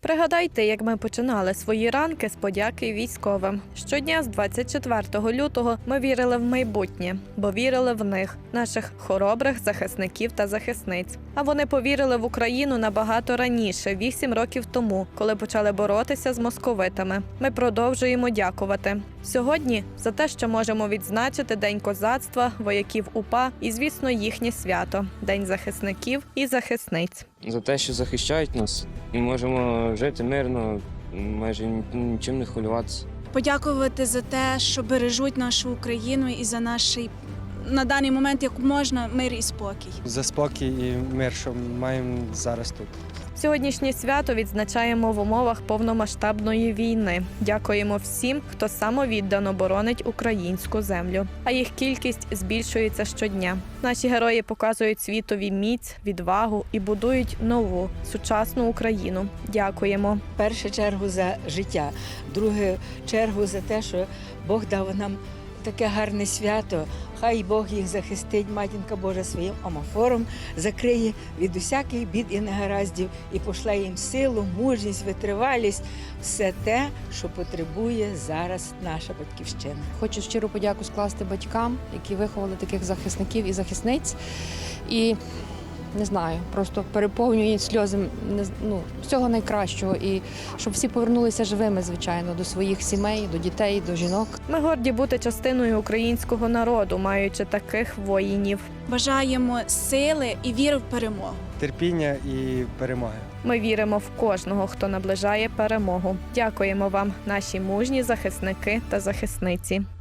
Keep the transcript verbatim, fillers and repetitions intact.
Пригадайте, як ми починали свої ранки з подяки військовим. Щодня з двадцять четвертого лютого ми вірили в майбутнє, бо вірили в них, наших хоробрих захисників та захисниць. А вони повірили в Україну набагато раніше, вісім років тому, коли почали боротися з московитами. Ми продовжуємо дякувати. Сьогодні за те, що можемо відзначити День козацтва, вояків УПА і, звісно, їхнє свято – День захисників і захисниць. За те, що захищають нас, і можемо жити мирно, майже нічим не хвилюватися. Подякувати за те, що бережуть нашу Україну і за наш, на даний момент, як можна, мир і спокій. За спокій і мир, що маємо зараз тут. Сьогоднішнє свято відзначаємо в умовах повномасштабної війни. Дякуємо всім, хто самовіддано боронить українську землю. А їх кількість збільшується щодня. Наші герої показують світові міць, відвагу і будують нову, сучасну Україну. Дякуємо. В першу чергу за життя, в другу чергу за те, що Бог дав нам таке гарне свято. Хай Бог їх захистить, Матінка Божа, своїм омофором, закриє від усяких бід і негараздів і пошле їм силу, мужність, витривалість, все те, що потребує зараз наша Батьківщина. Хочу щиру подяку скласти батькам, які виховали таких захисників і захисниць. І не знаю, просто переповнюють сльози ну, всього найкращого. І щоб всі повернулися живими, звичайно, до своїх сімей, до дітей, до жінок. Ми горді бути частиною українського народу, маючи таких воїнів. Бажаємо сили і віри в перемогу. Терпіння і перемоги. Ми віримо в кожного, хто наближає перемогу. Дякуємо вам, наші мужні захисники та захисниці.